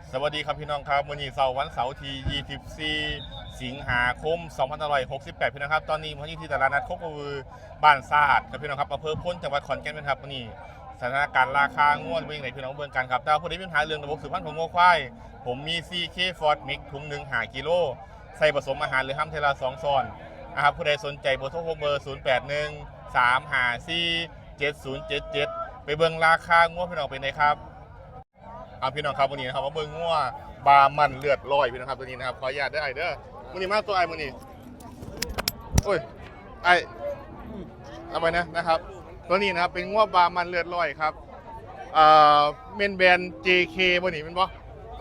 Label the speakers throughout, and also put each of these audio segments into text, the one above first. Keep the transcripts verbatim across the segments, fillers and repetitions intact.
Speaker 1: สวัสดีครับพี่น้องครับวันนี้เสาร์วันเสาร์ที่ยี่สิบสี่สิงหาคมสองพันห้าร้อยหกสิบแปดพี่น้องครับตอนนี้ผมอยู่ที่ตลาดนัดโคกระบือบ้านซาดครับพี่น้องครับอำเภอพ้นจังหวัดขอนแก่นครับวันนี้สถานการณ์ราคางวดเป็นยังไงพี่น้องเบิ่งกันครับแต่ผู้ใดมีปัญหาเรื่องระบบสืบพันธุ์ของงัวควายผมมี ซี เค Ford Mix ถุงหนึ่งหากิโลใส่ผสมอาหารหรือห้ามเทลาสองซอนนะครับผู้ใดสนใจเบอร์โทรเบอร์ศูนย์แปดหนึ่งสามห้าสี่เจ็ดศูนย์เจ็ดเจ็ดไปเบิ่งราคางวดพี่น้องเป็นไงครับเอาพี่น้องครับวันนี้นะครับมาเบิ่งงัวบามันเลือดลอยพี่น้องครับตัวนี้นะครับขออนุญาตได้ไอเด้อวันนี้มาตัวไอมันนี่โอ้ยไอเอาไปนะนะครับตัวนี้นะครับเป็นงัวบามันเลือดลอยครับเอ่อเมนแบรนด์ เจ เค วันนี้เป็นบ่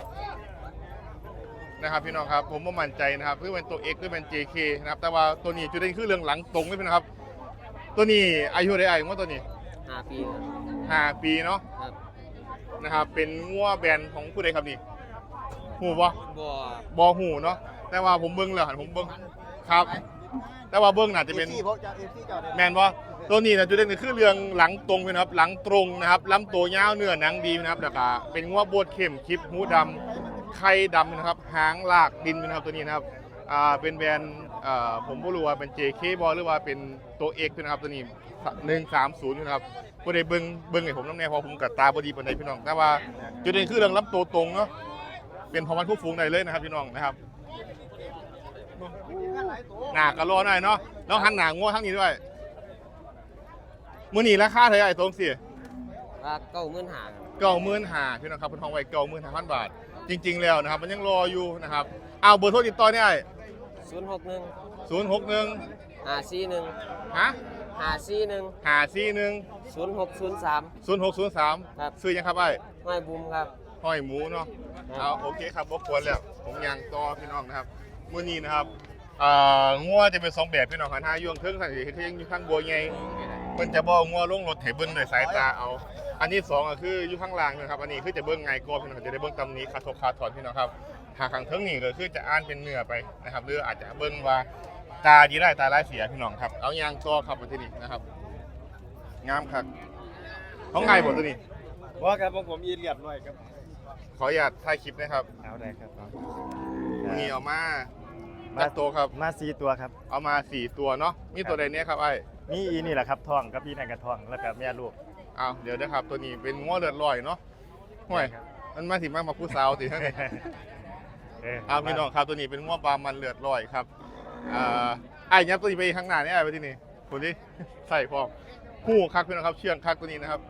Speaker 1: นะครับพี่น้องครับผมว่ามั่นใจนะครับเพื่อเป็นตัว X เพื่อเป็น เจ เค นะครับแต่ว่าตัวนี้จุดเด่นคือเรื่องหลังตรงนี่นะครับตัวนี้อายุได้ไอ้งัวตัวนี้
Speaker 2: ห้าปีครับ
Speaker 1: ห้าปีเนาะ
Speaker 2: ครับ
Speaker 1: นะครับเป็นงัวแบรนด์ของผู้ใดครับนี่หูบ่
Speaker 2: บ่
Speaker 1: บ่หูเนาะแต่ว่าผมเบิ้งแล้วหันผมเบิ้งครับแต่ว่าเบิ้งน่าจะเป็นแมนบ่ตัวนี้นะจุดเด่นคือเรื่องหลังตรงนะครับหลังตรงนะครับลำตัวยาวเนื้อหนังดีนะครับแล้วก็เป็นงัวโบดเข้มคลิปหูดำไข่ดำนะครับหางลากดินนะครับตัวนี้นะครับอ่าเป็นแบรนด์อ่าผมไม่รู้ว่าเป็น เจ เค บ่หรือว่าเป็นตัว X นะครับตัวนี้หนึ่งสามศูนย์นะครับผู้ใดเบิ้งเบิ้งให้ผมน้ำแน่พอผมกับตาบอดีปานใดพี่น้องแต่ว่าจุดเด่นคือเรื่องลำตัวตรงเนาะเป็นพอมันผู้ฟูงได้เลยนะครับพี่น้องนะครับหนากระโลหน่อยเนาะแล้วหันหนางัวทั้งนี้ด้วยมือหนีราคาเท่าไหร่ตรงสิ
Speaker 2: ราเก้าหมื่นห้า
Speaker 1: เก้าหมื่นห้าพี่น้องครับเป็นทองไว้เก้าหมื่นห้าพันบาทจริงๆแล้วนะครับมันยังรออยู่นะครับเอาเบอร์โทรติดต่อเนี่ย
Speaker 2: ศูนย์หกหนึ่ง
Speaker 1: ศูนย์หกหนึ่ง
Speaker 2: ห้าสี่หนึ่ง
Speaker 1: ฮะ
Speaker 2: ห้าสี่หนึ่ง
Speaker 1: ห้าสี่หนึ่ง
Speaker 2: ศูนย์หกศูนย์สาม
Speaker 1: ศูนย์หกศูนย์สาม
Speaker 2: ครับ
Speaker 1: ซื้อยังครับไอ้
Speaker 2: ห้อยบุมครับ
Speaker 1: ห้อยหมูเนาะเอาโอเคครับบกวนแล้วผมยังต่อพี่น้องนะครับมื้อนี้นะครับอ่างัวจะเป็นสองแบบพี่น้องคันห้าย่วงเทิงสันติเที่ยงอยู่ข้างบัวใหญ่มันจะบ่งัวลงรถให้เบิ่งด้วยสายตาเอาอันนี้สองก็คืออยู่ข้างล่างนะครับอันนี้คือจะเบิ่งไงก็พี่น้องจะได้เบิ่งตำนี้ขาทกขาถอนพี่น้องครับหากข้างเทิงนี่ก็คือจะอ่านเป็นเนื้อไปนะครับหรืออาจจะเบิ่งว่าตาดีได้ตาร้ายเสียพี่น้องครับเอายางต่อครับมาที่นี่นะครับงามครับของไงบ่ตัวนี้
Speaker 3: ว่าครับผมผมยีเรียบหน่อยครับ
Speaker 1: ขออนุญาตถ่ายคลิปนะครับ
Speaker 3: เอาได้ครับ
Speaker 1: วันนี้เอามามาตัวครับ
Speaker 3: มาสี่ตัวครับ
Speaker 1: เอามาสี่ตัวเนาะมีตัวใดเนี้ยครับไอ้
Speaker 3: นี่อีนี่แหละครับทองกับพี่นายกระทองแล้วกับแม่ลูก
Speaker 1: เอาเดี๋ยวนะครับตัวนี้เป็นง้อเลือดลอยเนาะห่วยมันมาถึงมากมาผู้สาวติท่านนี่เอาพี่น้องครับตัวนี้เป็นง้อปลามันเลือดลอยครับอ่าไอ้ยับตัวนี้ไปข้างหน้านี่ไอ้ไปที่นี่คนที่ใส่พร้อมหูคักพี่น้องครับเชื่องคักตัวนี้นะครับ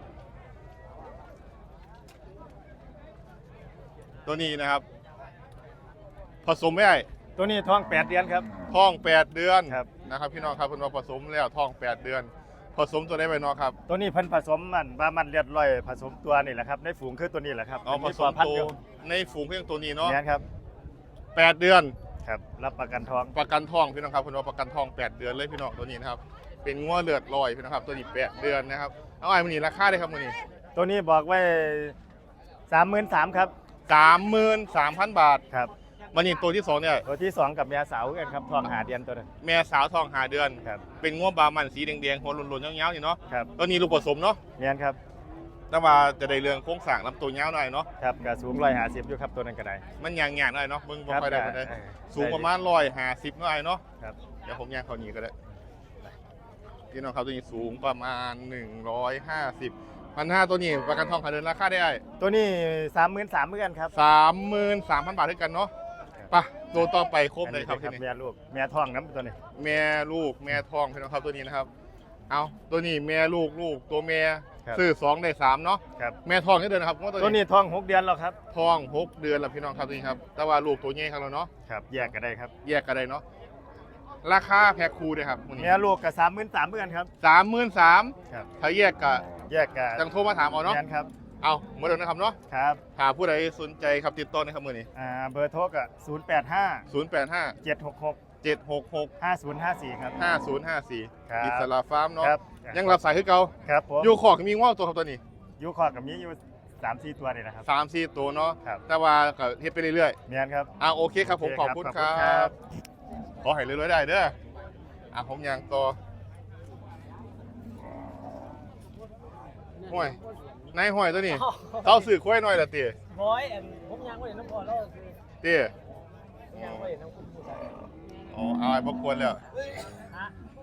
Speaker 1: ตัวนี้นะครับผสมไม่ได้
Speaker 3: ตัวนี้ท้องแปดเดือนครับ
Speaker 1: ท้องแปดเดือนนะครับพี่น้องครับเพิ่นว่าผสมแล้วท้องแปดเดือนผสมตัวได้ไปเนาะครับ
Speaker 3: ตัวนี้เพิ่นผสมมันบามันเลือดลอยผสมตัวนี่แหละครับในฝูงคือตัวนี้แหละครับ
Speaker 1: อ๋อผสมตัวในฝูงเพียงตัวนี้เนาะ
Speaker 3: นี่ครับ
Speaker 1: แปดเดือน
Speaker 3: ครับรับประกันทอง
Speaker 1: ประกันทองพี่น้องครับเพิ่นว่าประกันทองแปดเดือนเลยพี่น้องตัวนี้นะครับเป็นงัวเลือดลอยพี่น้องครับตัวนี้แปดเดือนนะครับเอาไอ้มื้อนี้ราคาได้ครับมื้อนี้
Speaker 3: ตัวนี้บอกไว้ สามหมื่นสามพัน ครับ
Speaker 1: สามหมื่นสามพัน บาท
Speaker 3: ครับ
Speaker 1: วันนี้ตัวที่สองเนี่ย
Speaker 3: ตัวที่สองกับแม่สาวกันครับทองหาเดือนตัวนึง
Speaker 1: แม่สาวทองหาเดือน
Speaker 3: ครับ
Speaker 1: เป็นงัวบามันสีแดงๆหัวหล่นๆยาวๆนี่เนาะ
Speaker 3: ครับ
Speaker 1: ตัวนี้ลูกผสมเนาะ
Speaker 3: เนี่ยครับ
Speaker 1: แต่ว่าจะได้เรื่องโครงสร้างลำตัวยาวหน่อยเนาะ
Speaker 3: ครับก็สูงร้อยห้าสิบอยู่ครับตัวนั้นก็ได้
Speaker 1: มันยางๆหน่อยเนาะมึงบ่ค่อยได้ปานใดสูงประมาณร้อยห้าสิบหน่อยเนาะ
Speaker 3: ครับ
Speaker 1: เดี๋ยวผมยางเขานี้ก็ได้พี่น้องเขาตัวนี้สูงประมาณหนึ่งร้อยห้าสิบพันห้าตัวนี้ประกันทองขาเดินราคาได้
Speaker 3: ตัวนี้สามหมื่นสามเหมือนกันครับ
Speaker 1: สามหมื่นสามพันบาทด้วยกันเนาะปะตัวต่อไปครบเลยครับที่นี่
Speaker 3: แม่ลูกแม่ทองน้ำตัวนี้
Speaker 1: แม่ลูกแม่ทองพี่น้องครับตัวนี้นะครับเอาตัวนี้แม่ลูกลูกตัวแม่ซื้อสองได้สามเนาะแม่ทองนี่เดือนนะครับ
Speaker 3: ตัวนี้ทองหกเดือนแล้วครับ
Speaker 1: ทองหกเดือนแล้วพี่น้องครับตัวนี้ครับแต่ว่าลูกตัวใหญ่ครับเราเนาะ
Speaker 3: ครับแยกกันได้ครับ
Speaker 1: แยกกันได้เนาะราคาแพ็คคู่เลยครับ
Speaker 3: แม่ลูกกับสามหมื่นสามเหมือนกันครับ
Speaker 1: สามหมื่นสามถ้าแยกกับ
Speaker 3: แยกกัน
Speaker 1: จังโทรมาถามเอาเนาะ
Speaker 3: ครับ
Speaker 1: เอาเมื่อเดิมนะครับเนาะ
Speaker 3: ครับ
Speaker 1: หากผู้ใดสนใจครับติดต่อในครับมือนี้
Speaker 3: อ่าเบอร์โทรก็ศูนย์แปดห้า
Speaker 1: ศูนย์แปดห้า
Speaker 3: เจ็ดหกหก
Speaker 1: เจ็ดหกหก
Speaker 3: ห้าศูนย์ห้าสี่ครับ
Speaker 1: ห้าศูนย์ห้าสี่อิสระฟาร์มเนาะยังรับสายคือเก่า
Speaker 3: ครับผม
Speaker 1: ยูคอกมีง้อตัวครับตัวนี้
Speaker 3: ยูคอกกับมีอยู่สามสี่ตัวนี่นะครับ
Speaker 1: สามสี่ตัวเนาะ
Speaker 3: ครับ
Speaker 1: แต่ว่าก็เฮ็ดไปเรื่อย
Speaker 3: ๆเนี่ยครับ
Speaker 1: อ่าโอเคครับผมขอบคุณครับขอให้เรื่อยๆได้เด้ออ่ะผมยังต่อห่วยนายห้อยตัวนี้เขาสื่อคุ้ยหน่อยละตี
Speaker 4: บอยอันผมยังไม่เห็นน้ำพอแล้วคือ
Speaker 1: ตี
Speaker 4: ยังไม่เห็นน้ำคุณผู้ชาย
Speaker 1: อ๋อเอาไอ้พวกควรแล้ว
Speaker 4: ฮะ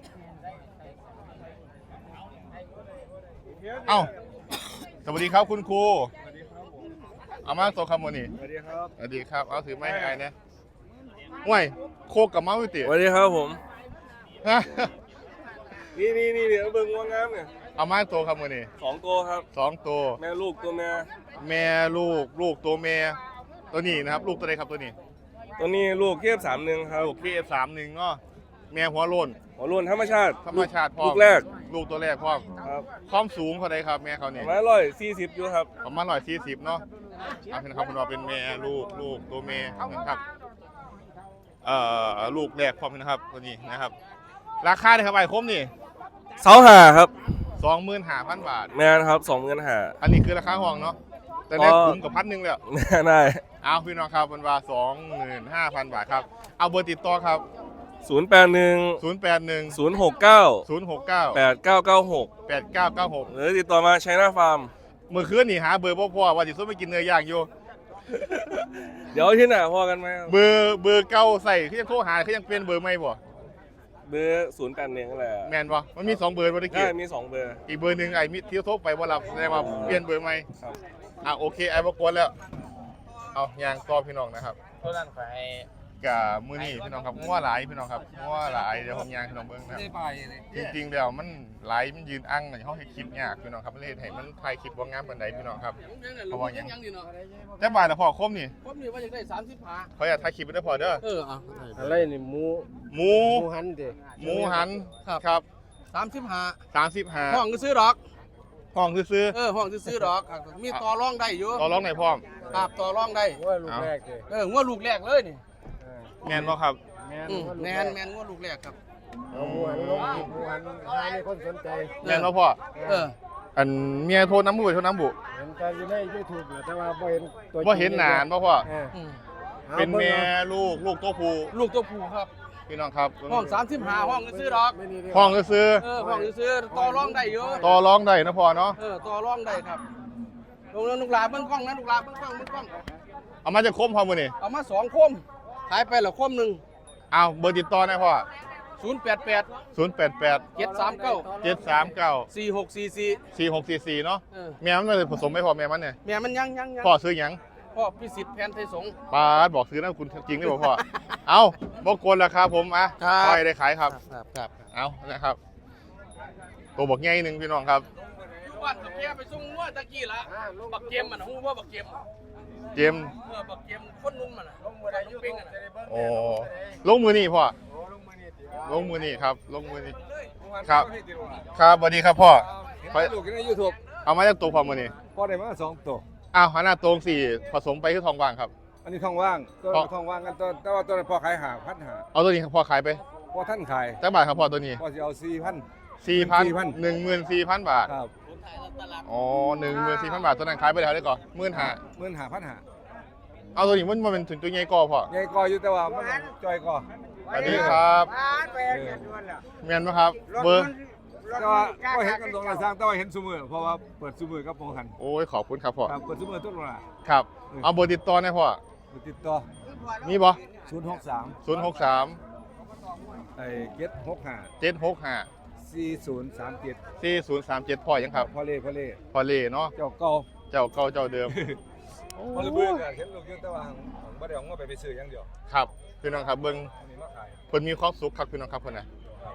Speaker 1: เอ้าสวัสดีครับคุณครูเอามาโซคำวันนี้
Speaker 3: สวัสดีครับ
Speaker 1: สวัสดีครับเอาถือไม้ให้ไอ้เนี่ยห่วยโคกกับเมาส์ตี
Speaker 5: สวัสดีครับผม
Speaker 1: ฮะ
Speaker 5: นี่นี่นี่เดี๋ยวเบิ่งงวงงามเนี่ย
Speaker 1: เอามาโซคำวันนี้
Speaker 5: สองตัวครับ
Speaker 1: สองตัว
Speaker 5: แม่ลูกตัวแม่
Speaker 1: แม่ลูกลูกตัวแม่ตัวนี้นะครับ ลูกตัวใดครับตัวนี้
Speaker 5: ตัวนี้ลูกเทียบสามหนึ่งครับ
Speaker 1: ลูกเคเอฟสามหนึ่งเนาะแม่หัวโลน
Speaker 5: หัวโล้นธรรมชาติ
Speaker 1: ธรรมชาติพร้อม
Speaker 5: ลูกแรก
Speaker 1: ลูกตัวแรกพร้อม
Speaker 5: ครับ
Speaker 1: ความสูงเท่าไรครับแม่เขา
Speaker 5: ป
Speaker 1: เนี่ย
Speaker 5: ระมาณร้อยสี่สิบอยู่ครับ
Speaker 1: ประมาณร้อยสี่สิบเนาะเอาเป็นครับคุณว่าเป็นแม่ลูกลูกตัวแม่นะครับเอ่อลูกแรกพร้อมนะครับตัวนี้นะครับ ราคาเนี่ยครับไอ้คมนี่
Speaker 5: เสาหาครับ
Speaker 1: สองหมื่นห้าพันบาท
Speaker 5: แม่นะครับสองเงินหา
Speaker 1: อันนี้คือราคาห้องเนาะแต่ได้
Speaker 5: ก็
Speaker 1: คุ้มกับพันหนึ่งแล้ว
Speaker 5: แม่ได้
Speaker 1: เอาพี่น้องครับมันว่าสองหมื่นห้าพันบาทครับเอาเบอร์ติดต่อครับ
Speaker 5: ศูนย์แปดหนึ่ง
Speaker 1: ศูนย์แปดหนึ่ง
Speaker 5: ศูนย์หกเก้า
Speaker 1: ศูนย์หกเก้า
Speaker 5: แปดเก้าเก้าหก
Speaker 1: แปดเก้าเก้าหก
Speaker 5: หรือติดต่อมาชัยนาฟาร์ม
Speaker 1: เมื่อคืนนี่หาเบอร์พ่อพ่อว่าสิซุ่มไปกินเนื้อย่างอยู่
Speaker 5: เดี๋ยวที่ไหนพอกันไหมครับ
Speaker 1: เบอร์เบอร์เก่าใส่คือยังโทรหาคือยังเปลี่ยนเบอร์ใหม่บ่
Speaker 5: เบอร์ศูนย์แปดหนึ่งแหละ
Speaker 1: แม่นบ่มันมีสองเบอร์บ่ได้
Speaker 5: ได้
Speaker 1: กี่
Speaker 5: มีสองเบอร์
Speaker 1: อีกเบอร์หนึงไอ้มิที่โทรไปบ่รับแสดงว่าเปลี่ยนเบอร์ใหม่
Speaker 5: ครับ
Speaker 1: อ่ะโอเคไอ้บ่กวนแล้วเอายางต่อพี่น้องนะครับ
Speaker 4: ตัวนั้นไป
Speaker 1: กับมื้อนี้พี่น้องครับงัวหลายพี่น้องครับงัวหลายเดี๋ยวผมยางพี่น้องเบิ่งนะครับ
Speaker 4: ได้ไปเลย
Speaker 1: จริงๆแล้วมันหลายมันยืนอั้งในห้องให้คลิปยากพี่น้องครับเลยให้มันถ่ายคลิปบ่งามปานใดพี่น้องครับเพราะว่าหยัง
Speaker 4: ยังอยู่เนาะ
Speaker 1: แต่บ่ายแล้วพอคมนี่
Speaker 4: ผมนี่ว่าจะได้สามสิบห้า
Speaker 1: เขาอยากถ่ายคลิปไว้ได้พอเด้อ
Speaker 4: เอออ่ะ
Speaker 2: อะไรนี่หมู
Speaker 1: หมู
Speaker 2: หมูหันเด้
Speaker 1: หมูหัน
Speaker 4: ครับ
Speaker 1: ครับ
Speaker 4: สามสิบห้า
Speaker 1: สามสิบห้า
Speaker 4: ห้องก็ซื้อดอก
Speaker 1: ห้องซื้อ
Speaker 4: เออห้องซื้อดอกอ่ะมีต่อรองได้อยู่
Speaker 1: ๆต่อร้องไหนพร้อม
Speaker 4: ครับต่อรองได้
Speaker 2: ว่าลูกแรกเด้
Speaker 4: เอองัวลูกแรกเลยนี่
Speaker 1: แม่นบ่ครับ
Speaker 2: แม่น
Speaker 4: อืมแมนแมนงัวลูกแรกครับ
Speaker 2: เอาหมูหันลงอีกหมูหันให้มีคนสนใจ
Speaker 1: แม่นบ่พ่อ
Speaker 4: เออ
Speaker 1: อันเมียโทรน้ำบุโทรน้ำบุ
Speaker 2: เห็นกันอยู่ใน YouTube แหละแต่ว่าบ่เห็นตัว
Speaker 1: บ่เห็นหนานบ่พ่อ
Speaker 2: เออ
Speaker 4: อืม
Speaker 2: อา
Speaker 1: เป็น
Speaker 2: บิ่ง
Speaker 1: แม่
Speaker 2: อา
Speaker 1: ลูกลูกตัวผู้
Speaker 4: ลูกตัวผู้ครับ
Speaker 1: พี่น้องครับ
Speaker 4: ห้องสามสิบห้าห้องก็ซื้อดอก
Speaker 2: ไม่นี่เด้
Speaker 1: ห้องซื้อ
Speaker 4: เออห้องก็ซื้อต่อรองได้อยู่
Speaker 1: ต่อร้องได้นะพ่อเนาะ
Speaker 4: เออต่อรองได้ครับลงแล้วลูกหลานเบิ้งกล้องนะลูกหลานเบิ้งกล้องเบิ้งกล้อง
Speaker 1: เอามาจะคมพ่อมื้อนี้
Speaker 4: เอามาสองคมขายไปละคมหนึ่ง
Speaker 1: เอาเบอร์ติดต่อหนะพ่อ
Speaker 4: ศูนย์แปดแปด
Speaker 1: ศูนย์ แปด แปด
Speaker 4: เจ็ดสามเก้า
Speaker 1: เจ็ด สาม เก้า
Speaker 4: สี่หกสี่สี่
Speaker 1: สี่ หก สี่ สี่เนาะ
Speaker 4: เออ
Speaker 1: แม่มันเลยผสมไม่พอแม่มันเนี่ย
Speaker 4: แม่มันยังยังยัง
Speaker 1: พ่อซื้อหยัง
Speaker 4: พ่อพิสิทธิ์แผนไทยสงฆ์
Speaker 1: ปาดบอกซื้อนะคุณจริงได้บ่พ่อ เอาบ่กวนราคาผมอ่ะ
Speaker 4: ครับ
Speaker 1: ปล่อยได้ขายครับ
Speaker 4: ครับครับ
Speaker 1: เอานะครับ ตัวบอกใหญ่หนึงพี่น้องครับ
Speaker 4: อยู่บ้านบักเกมไปส่งงัวตะกี้ละบักเกมมันฮู้ว่าบักเกม
Speaker 1: เจมส์
Speaker 4: เออบักเกมคนนุ่มมันน่ะลงมือได้อยู่เป้งอ่ะนะ
Speaker 1: โอ้ลงมือนี่พ่อลงมือนี่ครับ ลงมือนี่ครับ ครับสวัสดีครับพ่อขอ
Speaker 6: ลูกในยูทูบ
Speaker 1: เอามาจากตัวพ่อมือนี่
Speaker 6: พอได้มาสองตัว
Speaker 1: อ้าวหันหน้าตรงสี่ผสมไปคือทองว่างครับ
Speaker 6: อันนี้ทองว่างตัว
Speaker 1: เพราะ
Speaker 6: ทองว่างกันตัวแต่ว่าตัวนั้นพอขายหาพันหา
Speaker 1: เอาตัวนี้พ่อขายไป
Speaker 6: พอท่านขาย
Speaker 1: จักบาทครับพ่อตัวนี้
Speaker 6: พอจะเอาสี่พัน
Speaker 1: สี่พัน
Speaker 6: 4,000
Speaker 1: หนึ่งหมื่นสี่พันบาท
Speaker 6: ครับ
Speaker 1: อ๋อหนึ่งหมื่นสี่พันบาทตัวนั้นขายไปแล้วได้ก่อนหมื่นห้า
Speaker 6: เงินหาพันหา
Speaker 1: เอาตัวนี้มันมันเป็นถึงตัวใหญ่ก่อพ่อ
Speaker 6: ใหญ่กออยู่แต่ว่ามันจอยกอ
Speaker 1: สวัสดีครับเมียนไหมครับ เบอร์
Speaker 6: แต่ว่าก็เห็นกันตรงละสร้างแต่ว่าเห็นซุมือเพราะว่าเปิดซุมือกับปองหัน
Speaker 1: โอ้ยขอบคุณครับพ่อ
Speaker 6: ครับเปิดซุมือทุกเวลา
Speaker 1: ครับ เอาเบอร์ติดต่อหนะพ่อ
Speaker 6: ติดต่อ
Speaker 1: มีบ่
Speaker 6: ศูนย์หกสาม
Speaker 1: ศูนย์หกสาม
Speaker 6: ไอ้เจ็ดหกห้า
Speaker 1: เจ็ดหกห้า
Speaker 6: สี่ศูนย์สามเจ็ด
Speaker 1: สี่ศูนย์สามเจ็ดพ่อยังครับ
Speaker 6: พอเล่พอเล่
Speaker 1: พ่อเล่เนาะ
Speaker 6: เจ้าเก่า
Speaker 1: เจ้าเก่าเจ้าเดิม
Speaker 6: พอเลยเบื่อเห็นลูกอยู่แต่ว่าบ่ได้เอาเงินไปไปซื้ออย่างเดียว
Speaker 1: ครับพี่น้องครับเบิ้ง
Speaker 6: อันนี้มาขาย
Speaker 1: เพิ่นมีความสุขครับพี่น้องครับเพิ่นน่ะ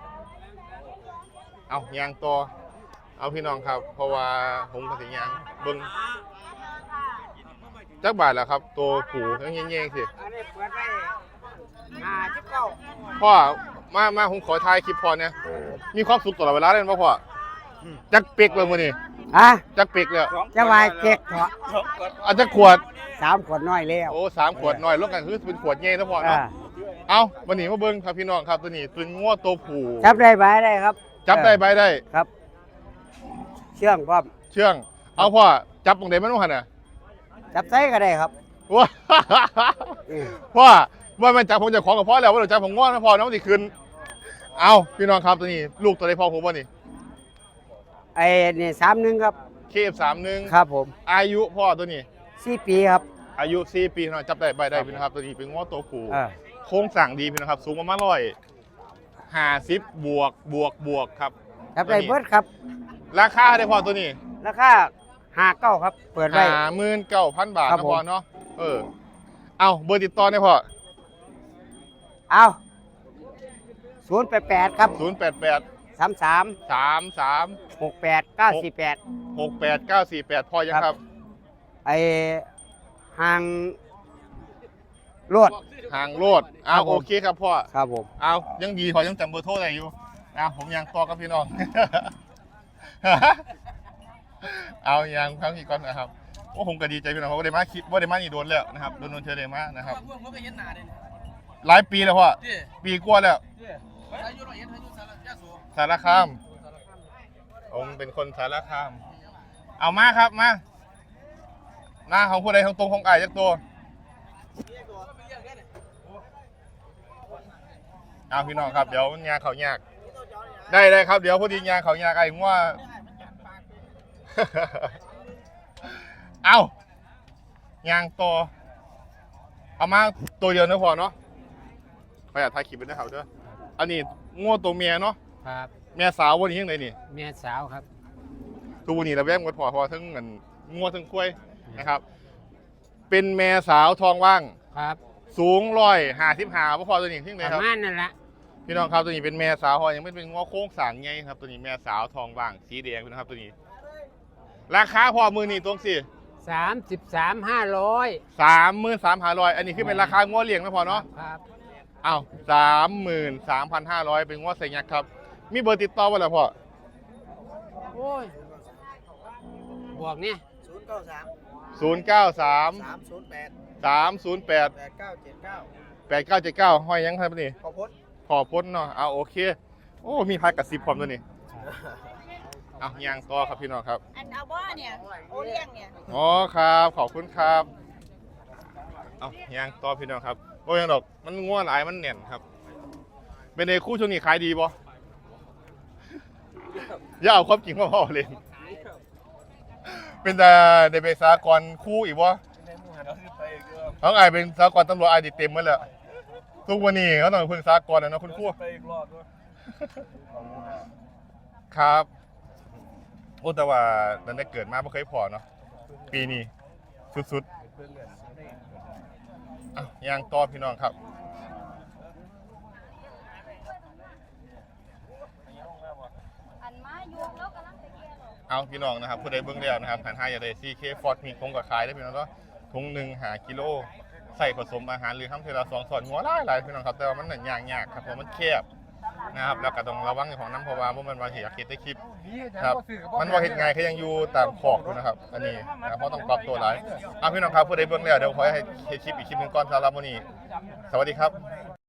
Speaker 1: เอายางต่อเอาพี่น้องครับ เพราะว่าผมก็สิยางเบิ้งจักบาทแล้วครับ ตัวผูทั้งแย่ๆสิ
Speaker 2: อันนี้เปิดได้ห้าสิบเก้า
Speaker 1: พ่อมามาผมขอถ่ายคลิปพ่อเนี่ยมีความสุขตลอดเวลาเลยบ่พ่อจักเปีกเลยมื้อนี้
Speaker 7: ฮะ
Speaker 1: จักเปีกแล้ว
Speaker 7: จะวายเก๊กเถาะ
Speaker 1: เอาจักขวด
Speaker 7: สามขวดน้อยแล้ว
Speaker 1: โอ้สามขวดหน่อยรวมกันคือเป็นขวดใหญ่นะพ่อ
Speaker 7: อ่า
Speaker 1: เนาะเอาวันนี้มาเบิ้งครับพี่น้องครับตัวนี้เป็นงัวตัวผู
Speaker 7: จับได้ไหมได้ครับ
Speaker 1: จับได้ใบได้
Speaker 7: ครับ เชื่องพร้อม
Speaker 1: เชื่อง เอาพ่อจับตรงไหนมันว่าหั่นน่ะ
Speaker 7: จับไส้ก็ได้ครับ
Speaker 1: ว้า
Speaker 7: อืม
Speaker 1: พ่อว่ามันจับผมจะของกับพ่อแล้วว่าเราจับผมง้อนะพ่อน้องสิคืนเอาพี่น้องครับตัวนี้ ลูกตัวใดพ่อผมว่านี่
Speaker 7: ไอ้นี่สามหนึ่งครับ
Speaker 1: เคฟสามหนึ่ง
Speaker 7: ครับผม
Speaker 1: อายุพ่อตัวนี้
Speaker 7: สี่ปีครับ
Speaker 1: อายุสี่ปีพี่น้องจับได้ใบได้พี่นะครับตัวนี้เป็นง้อตัวผู
Speaker 7: อ่า
Speaker 1: โครงสร้างดีพี่นะครับ สูงประมาณร้อยห้าสิบบวกบวกบวกครับ
Speaker 7: จับได้เบิดครับ
Speaker 1: ราคาได้พอตัวนี้
Speaker 7: ราคาห้าเก้าครับ เปิดไว้
Speaker 1: ห้าหมื่นเก้าพันบาท
Speaker 7: ครับ
Speaker 1: นะ
Speaker 7: ผม
Speaker 1: พอเนาะเออเอาเบอร์ติดต่อได้พอ
Speaker 7: เอาศูนย์แปดแปดครับ
Speaker 1: ศูนย์แปดแปด
Speaker 7: สามสาม
Speaker 1: สามสาม
Speaker 7: หกแปดเก้าสี่แปด
Speaker 1: หกแปดเก้าสี่แปดพอยังครับ
Speaker 7: ไอห่างรวด
Speaker 1: ห่างโลดเอา
Speaker 7: ครับผม
Speaker 1: โอเคครับพ่อ
Speaker 7: ครับผม
Speaker 1: เอายังดีพอยังจำเบอร์โทรได้อยู่เอาผมยังต่อกับพี่น้อง เอายังครั้งอีกก่อนนะครับโอ้ผมก็ดีใจพี่น้องเพราะว่าได้มาคลิปว่าได้มานี่โดนแล้วนะครับโดนโดนเธอได้มานะครับ
Speaker 4: พวกมันก็เห็นหน้าเด้
Speaker 1: หลายปีแล้วพ่อ
Speaker 4: นี่
Speaker 1: ปีกว่าแล้ว
Speaker 4: อายุร้อยเอ็ดอายุสารยาสู
Speaker 1: สารคามผมเป็นคนสารคาม เอามาครับมาหน้าของผู้ใดของตรงของไอ้จักตัวเอาพี่น้องครับเดี๋ยวงานเขายากได้ได้ครับเดี๋ยวพอดีงานเขายากไอ้ผมว่า เอายางตัวเอามาตัวเดียวนะพอเนาะไปอ่ะถ่ายคลิปไปนะครับเด้ออันนี้งัวตัวเมียเนาะ
Speaker 7: ครับ
Speaker 1: เมียสาววันนี้ยังไงนี่
Speaker 7: เมียสาวครับ
Speaker 1: ทุกวันนี้เราแวงกันพอพอทั้งเงินงัวทั้งกล้วยนะครับ เป็นแม่สาวทองว่าง
Speaker 7: ครับ
Speaker 1: สูงร้อยห้าสิบห้าพอตัวนี้ทิ้งเลย
Speaker 7: ป
Speaker 1: ครั
Speaker 7: ระ
Speaker 1: บ
Speaker 7: มาณนั่นละ
Speaker 1: พี่น้องครับตัวนี้เป็นแม่สาวพอยังไม่เป็นงัวโค้งสางไงครับตัวนี้แม่สาวทองว่างสีแดงนะครับตัวนี้ ราคาพอมือนี่ตรงสิ
Speaker 7: สามสิบสามห้าร้อย
Speaker 1: สามหมื่นสามพันร้อยอันนี้คือเป็นราคางัวเลี้ยงนะพอเนาะ
Speaker 7: ครับ
Speaker 1: อ้าวสามหมื่นสามพันห้าร้อยเป็นงัวใส่ยักษ์ครับ มีเบอร์ติดต่อไว้แล้วพ่อ
Speaker 7: โอ้ย บวกเนี่ย
Speaker 2: ศูนย์เก้าสาม
Speaker 1: ศูนย์เก้าสาม
Speaker 2: สามศูนย์แปด
Speaker 1: สามศูนย์แปด
Speaker 2: แปดเก้าเจ็ดเก้า
Speaker 1: แปดเก้าเจ็ดเก้าห้อยยังครับนี่
Speaker 2: ขอพจน์
Speaker 1: ขอพ้นเนาะเอาโอเค โอ้มีพายกับซิบพร้อมตัวนี้เอายางต่อครับพี่น้องครับ
Speaker 8: อันเอาบ่เนี่ยโอเลี้ยงเนี่ย
Speaker 1: อ๋อครับขอบคุณครับเอายางต่อพี่น้องครับโอ้ยังดอกมันง่วหลายมันแน่นครับเป็นในคู่ช่วงนี้ขายดีบ่อย่าเอาความจริงมาพ่อเลยเป็นแต่ในเบสากรคู่อีกบ่เขาไงเป็นสากรตำรวจไอดีเต็มหมดแล้วทุกวันนี้เขาต้องพึ่งสากรนะเนาะคุณครูครับโอ้แต่ว่าตั้งแต่เกิดมาไม่เคยพอเนาะปีนี้สุดๆอ่ะยางต่อพี่น้องครับเอาพี่น้องนะครับผู้ใดเบิ่งแล้วนะครับหันห้าอย่าได้ ซี เค ฟอร์ดมีคงกับขายได้พี่น้องเนาะถุงหนึ่งหากิโลใส่ผสมอาหารหรือทำเทละสองส่วนหัวหลายหลายพี่น้องครับแต่ว่ามันหนังยางยากครับเพราะมันแคบนะครับแล้วก็ต้องระวังของน้ำเพราะว่ามันว่าเห็นอยากเห็นได้คลิปครับมันว่าเห็นไงเขายังอยู่ตามขอบอยู่นะครับอันนี้นะเพราะต้องปรับตัวหลายเอาพี่น้องครับผู้ใดเบิ่งแล้วเดี๋ยวขอให้เห็นคลิปอีกคลิปหนึ่งก่อนสำหรับวันนี้สวัสดีครับ